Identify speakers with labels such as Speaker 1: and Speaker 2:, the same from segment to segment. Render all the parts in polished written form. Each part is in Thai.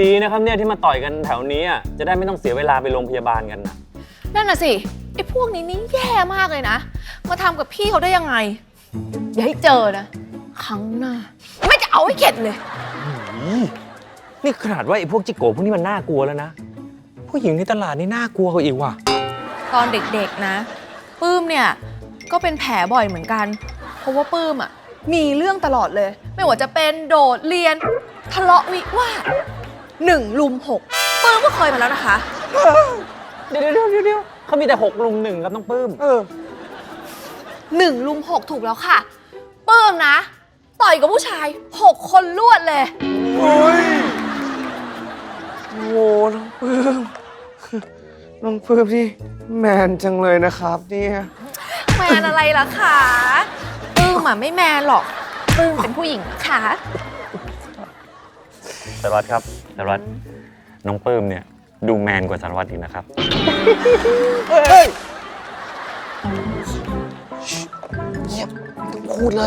Speaker 1: ดีนะครับเนี่ยที่มาต่อยกันแถวนี้จะได้ไม่ต้องเสียเวลาไปโรงพยาบาลกันนะ
Speaker 2: นั่นน่ะสิไอ้พวกนี้นี่แย่มากเลยนะมาทำกับพี่เขาได้ยังไงอย่าให้เจอนะครั้งหน้าไม่จะเอาให้เข็ดเลย
Speaker 1: นี่ขนาดว่าไอ้พวกจิโก้พวกนี้มันน่ากลัวแล้วนะผู้หญิงในตลาดนี่น่ากลัวกว่าอีกว่ะ
Speaker 2: ตอนเด็กๆนะปื้มเนี่ยก็เป็นแผลบ่อยเหมือนกันเพราะว่าปื้มมีเรื่องตลอดเลยไม่ว่าจะเป็นโดดเรียนทะเลาะวิวาท1 รุม 6ปื้มก็เคยมาแล้วนะคะ
Speaker 1: เดี๋ยวเขามีแต่6 รุม 1ครับน้องปื้ม
Speaker 2: 1 รุม 6ถูกแล้วค่ะปื้มนะต่อยกับผู้ชาย6 คนรวดเลย
Speaker 3: โอ้ยโอ้น้องปื้มน้องปื้มนี่แมนจังเลยนะครับเนี่ย
Speaker 2: แมนอะไรล่ะคะปื้มไม่แมนหรอกปื้มเป็นผู้หญิงนะคะ
Speaker 1: สารวัตรครับสารวัตรน้องปื้มเนี่ยดูแมนกว่าสารวัตรอีกนะครับ
Speaker 3: เงียบต้องพูดเลย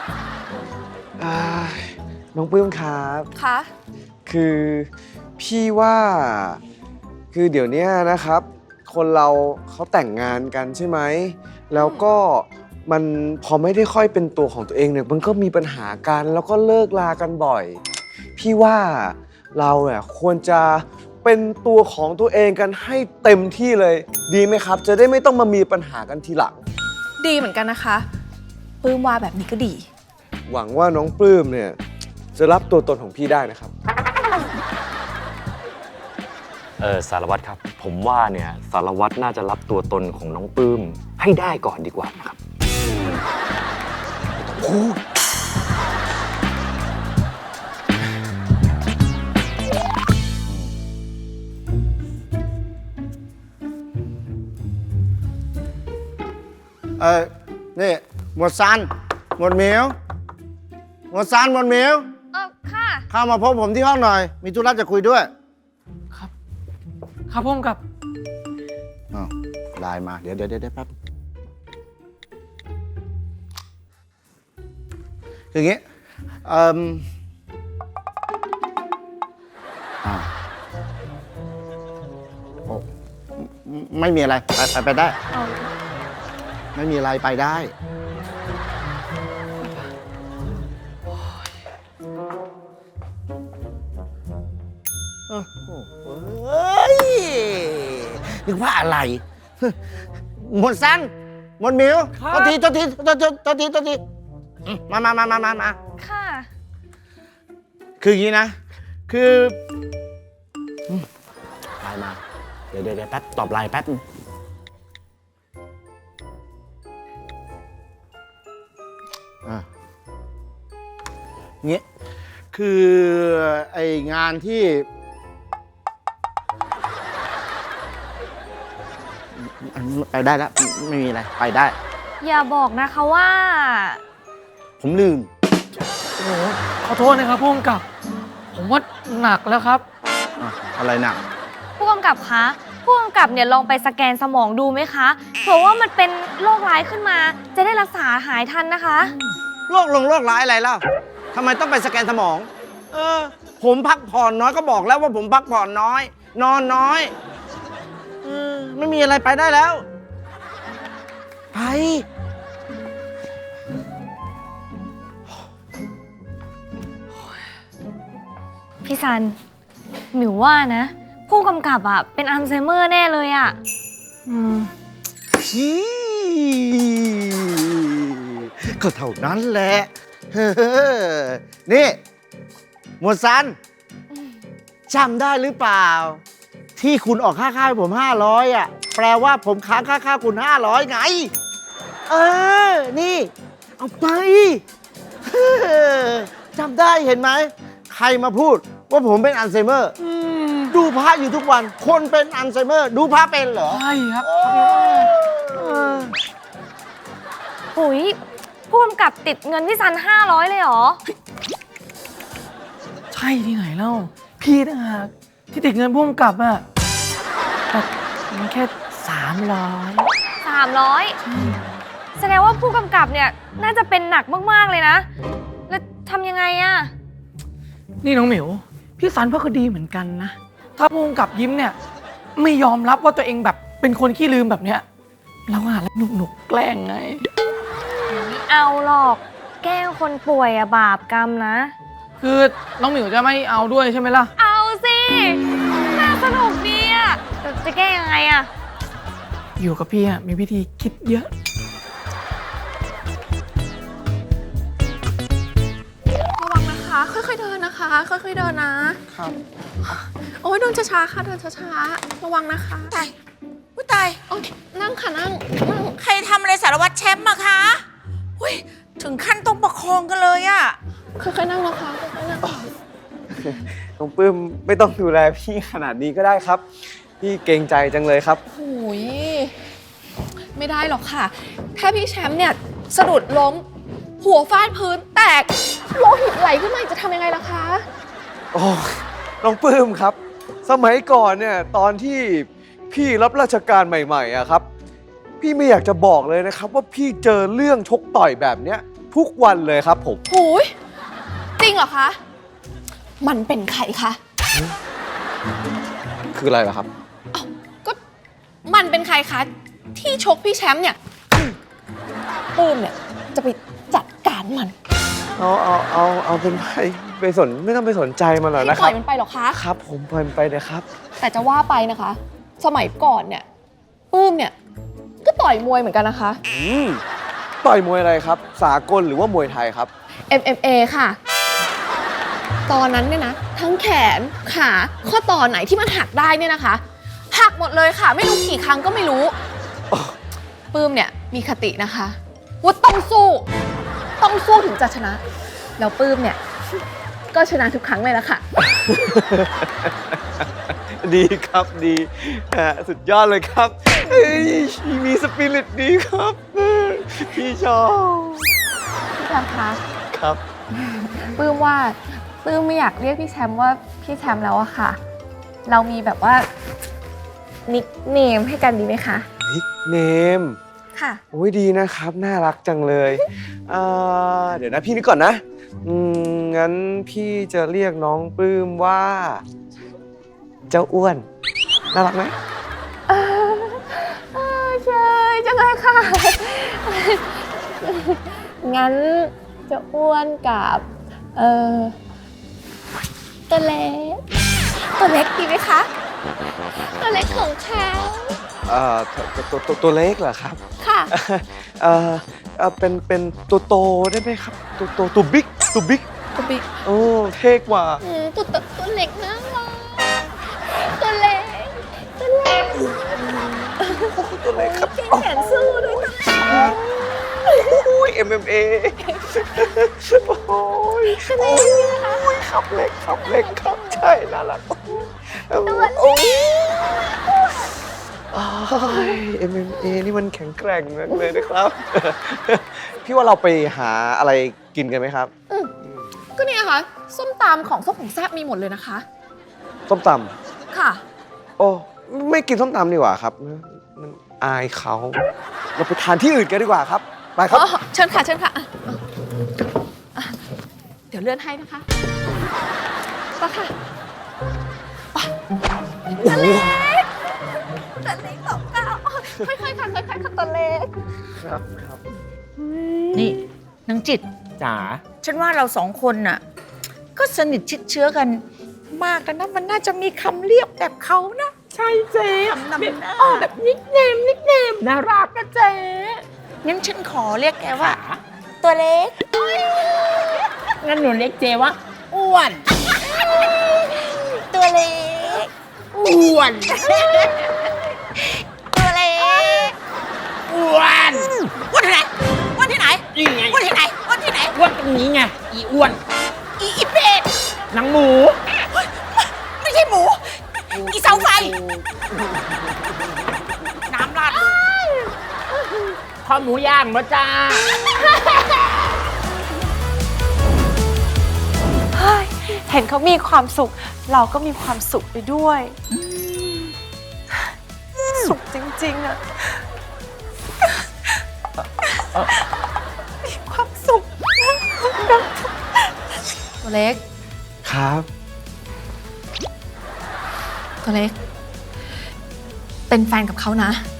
Speaker 3: น้องปื้มครับ
Speaker 2: คะ
Speaker 3: คือพี่ว่าคือเดี๋ยวนี้นะครับคนเราเขาแต่งงานกันใช่ไหมแล้วก็มันพอไม่ได้ค่อยเป็นตัวของตัวเองเนี่ยมันก็มีปัญหากันแล้วก็เลิกลากันบ่อยพี่ว่าเราเนี่ยควรจะเป็นตัวของตัวเองกันให้เต็มที่เลยดีไหมครับจะได้ไม่ต้องมามีปัญหากันทีหลัง
Speaker 2: ดีเหมือนกันนะคะปื้มว่าแบบนี้ก็ดี
Speaker 3: หวังว่าน้องปลื้มเนี่ยจะรับตัวตนของพี่ได้นะครับ
Speaker 1: สารวัตรครับผมว่าเนี่ยสารวัตรน่าจะรับตัวตนของน้องปื้มให้ได้ก่อนดีกว่านะครับ
Speaker 4: นี่หมวดซันหมวดเหมียวหมวดซันหมวดเหมียว
Speaker 2: ค่ะ
Speaker 4: เข้ามาพบผมที่ห้องหน่อยมีธุระจะคุยด้วย
Speaker 5: ครับผมกับ
Speaker 4: ไลน์มาเดี๋ยวแป๊บคืออย่างงี้ไม่มีอะไรไปได้ไม่มีอะไรไปได้นึกว่าอะไรหมดสั้นหมดมิวตัวทีมา
Speaker 2: ค่ะ
Speaker 4: คืออย่างนี้นะคือไลน์มาเดี๋ยวแป๊บตอบไลน์แป๊บงี้คือไองานที่ไปได้แล้วไม่มีอะไรไปได้
Speaker 2: อย่าบอกนะคะว่า
Speaker 4: ผมลืม
Speaker 5: โอ้ขอโทษนะครับผู้กำกับผมว่าหนักแล้วครับ
Speaker 4: อะไรหนัก
Speaker 2: ผู้กำกับคะผู้กำกับเนี่ยลองไปสแกนสมองดูไหมคะเผื่อว่ามันเป็นโรคร้ายขึ้นมาจะได้รักษาหายทันนะคะ
Speaker 4: โรคร้ายอะไรล่ะทำไมต้องไปสแกนสมองผมพักผ่อนน้อยก็บอกแล้วว่าผมพักผ่อนน้อยนอนน้อยไม่มีอะไรไปได้แล้วไป
Speaker 2: พี่ซันหมิวว่านะผู้กำกับเป็นอัลไซเมอร์แน่เลย
Speaker 4: ก็เท่านั้นแหละนี่หมวดซันจำได้หรือเปล่าที่คุณออกค่าให้ผม500แปลว่าผมค้างค่าคุณ500ไงนี่เอาไปจำได้เห็นไหมใครมาพูดว่าผมเป็นอัลไซเมอร์ดูพระอยู่ทุกวันคนเป็นอัลไซเมอร์ดูพระเป็นเหรอ
Speaker 5: ใช่ครับ
Speaker 2: ปุ๋ยผู้กำกับติดเงินที่ซัน500เลยเหรอ
Speaker 5: ใช่ที่ไหนเล่าพี่ต่างหากที่ติดเงินผู้กำกับแต่มันแค่
Speaker 2: 300แสดงว่าผู้กำกับเนี่ยน่าจะเป็นหนักมากๆเลยนะแล้วทำยังไง
Speaker 5: นี่น้องหมิวพี่ซันก็คือดีเหมือนกันนะ ถ้าพุ่งกับยิ้มเนี่ย ไม่ยอมรับว่าตัวเองแบบเป็นคนขี้ลืมแบบเนี้ยเราหาแล้วหนุกๆแกล้งไง
Speaker 6: ไม่เอาหรอก แกล้งคนป่วยอะบาปกรรมนะ
Speaker 5: คือน้องหมิวจะไม่เอาด้วยใช่ไหมล่ะ
Speaker 6: เอาสิ น่าสนุกดีอะแต่จะแก้ยังไงอะ
Speaker 5: อยู่กับพี่มีวิธีคิดเยอะ
Speaker 2: ระวังนะคะ ค่อยๆเดินนะคะ ค่อยๆเดินนะ
Speaker 3: ครับ
Speaker 2: โอ้ยเดินช้าๆค่ะ เดินช้าๆ ระวังนะคะ
Speaker 7: ตายผู้ตาย
Speaker 2: โอ้ยนั่งค่ะนั่ง
Speaker 7: ใครทำอะไรสารวัตรแชมป์มาคะอุ้ยถึงขั้นต้องประคองกันเลยอะ
Speaker 2: ค่อยๆนั่งนะคะ ค่อยๆนั่ง
Speaker 3: น้องปื้มไม่ต้องดูแลพี่ขนาดนี้ก็ได้ครับ พี่เกรงใจจังเลยครับ
Speaker 2: โอ้ยไม่ได้หรอกค่ะ ถ้าพี่แชมป์เนี่ยสะดุดล้ม หัวฟาดพื้นแตกโลหิตไหลขึ้นมาอีกจะทำยังไงล่ะคะ
Speaker 3: โอ้ยน้องปื้มครับ สมัยก่อนเนี่ยตอนที่พี่รับราชการใหม่ๆอะครับ พี่ไม่อยากจะบอกเลยนะครับว่าพี่เจอเรื่องชกต่อยแบบเนี้ยทุกวันเลยครับผม
Speaker 2: หูยจริงเหรอคะ มันเป็นใครคะ
Speaker 3: คืออะไรล่ะครับ
Speaker 2: ก็มันเป็นใครคะ ที่ชกพี่แชมป์เนี่ยปื้มเนี่ยจะไปจัดการมัน
Speaker 3: เอาเป็นไปสนไม่ต้องไปสนใจมันหรอก
Speaker 2: ให้
Speaker 3: นะ
Speaker 2: ป
Speaker 3: ค
Speaker 2: ล่
Speaker 3: รั
Speaker 2: อบ ยมันไปเหรอคะ
Speaker 3: ครับ ผมปล่อยมันไปนะครับ
Speaker 2: แต่จะว่าไปนะคะ สมัยก่อนเนี่ยปื้มเนี่ยก็ต่อยมวยเหมือนกันนะคะ
Speaker 3: ต่อยมวยอะไรครับ สากลหรือว่ามวยไทยครับ
Speaker 2: MMA ค่ะ ตอนนั้นเนี่ยนะ ทั้งแขนขาข้อต่อไหนที่มันหักได้เนี่ยนะคะ หักหมดเลยค่ะ ไม่รู้กี่ครั้งก็ไม่รู้ปื้มเนี่ยมีคตินะคะว่าต้องสู้ถึงจะชนะ แล้วปื้มเนี่ยก็ชนะทุกครั้งเลยละค่ะ
Speaker 3: ดีครับดีสุดยอดเลยครับเอ้ยมีสปิริตดีครับพี่ชอบ
Speaker 2: พี่แชมป์คะ
Speaker 3: ครับ
Speaker 2: ปื้มว่าปื้มไม่อยากเรียกพี่แชมป์ว่าพี่แชมป์แล้วอะค่ะ เรามีแบบว่านิกเนมให้กันดีไหมคะ
Speaker 3: นิกเนม
Speaker 2: ค่ะ
Speaker 3: โอ้ยดีนะครับ น่ารักจังเลยเดี๋ยวนะพี่นึกก่อนนะงั้นพี่จะเรียกน้องปลื้มว่า เจ้าอ้วน น่ารักไหม
Speaker 2: ใช่จังเลยค่ะ งั้นจะอ้วนกับตัวเล็กดีไหมคะ ตัวเล็กของเขา
Speaker 3: ตัวเล็กเหรอครับ
Speaker 2: ค่ะ
Speaker 3: เป็นตัวโตได้ไหมครับ ตัวบิ๊ก
Speaker 2: ตัวบิ๊ก
Speaker 3: โอ้เท่กว่า
Speaker 2: ตัวเล็กนะตัวเล็ก
Speaker 3: ตัวเล็กครับ
Speaker 2: แขนสู้ด้วยตัวเล็ก
Speaker 3: โอ้ย MMA โอ้ยขับเล็กครับ ใช่ น่ารักโอ้ย MMA นี่มันแข็งแกร่งมากเลยนะครับ พี่ว่าเราไปหาอะไรกินกันไหมครับ
Speaker 2: ก็เนี่ยค่ะ ส้มตำของส้มของแซ่บมีหมดเลยนะคะ
Speaker 3: ส้มต
Speaker 2: ค่ะ
Speaker 3: ำโอ้ไม่กินส้มตำดีกว่าครับ มันอายเขา เราไปทานที่อื่นกันดีกว่าครับ ไปครับ
Speaker 2: อ๋อ เชิญค่ะเดี๋ยวเลื่อนให้นะคะไปค่ะตัวเล็กของเก้าค่อยๆค่ะตัวเล็ก
Speaker 3: ครับ
Speaker 7: นี่นางจิต
Speaker 5: จ๋า
Speaker 7: ฉันว่าเราสองคนน่ะ ก็สนิทชิดเชื้อกันมากแล้วนะ มันน่าจะมีคำเรียกแบบเขานะ
Speaker 5: ใช่เจ๊
Speaker 7: คำนำหน้า
Speaker 5: แบบนิกเนมน่ารักนะเจ๊
Speaker 7: งั้นฉันขอเรียกแกว่า ตัวเล็ก
Speaker 5: งั้นหนูเรียกเจ๊ว่าอ้วน
Speaker 7: ตัวเล็ก
Speaker 5: อ้วน
Speaker 7: ตัวเล็ก
Speaker 5: อ้วน
Speaker 7: วันที่ไหนวันที่ไหน
Speaker 5: นี่ไง
Speaker 7: วันที่ไหนวันที่ไหน
Speaker 5: อ้วนตรงนี้ไง อีอ้วน
Speaker 7: อีเป็ด
Speaker 5: หนังหมู
Speaker 7: ไม่ใช่หมู อีเสาไฟ น้ำราด
Speaker 5: ข้าวหมูย่างมาจ้า
Speaker 6: เห็นเขามีความสุข เราก็มีความสุขไปด้วย สุขจริงๆอะมีความสุข
Speaker 2: ตัวเล็ก
Speaker 3: ครับ
Speaker 2: ตัวเล็ก เป็นแฟนกับเขานะ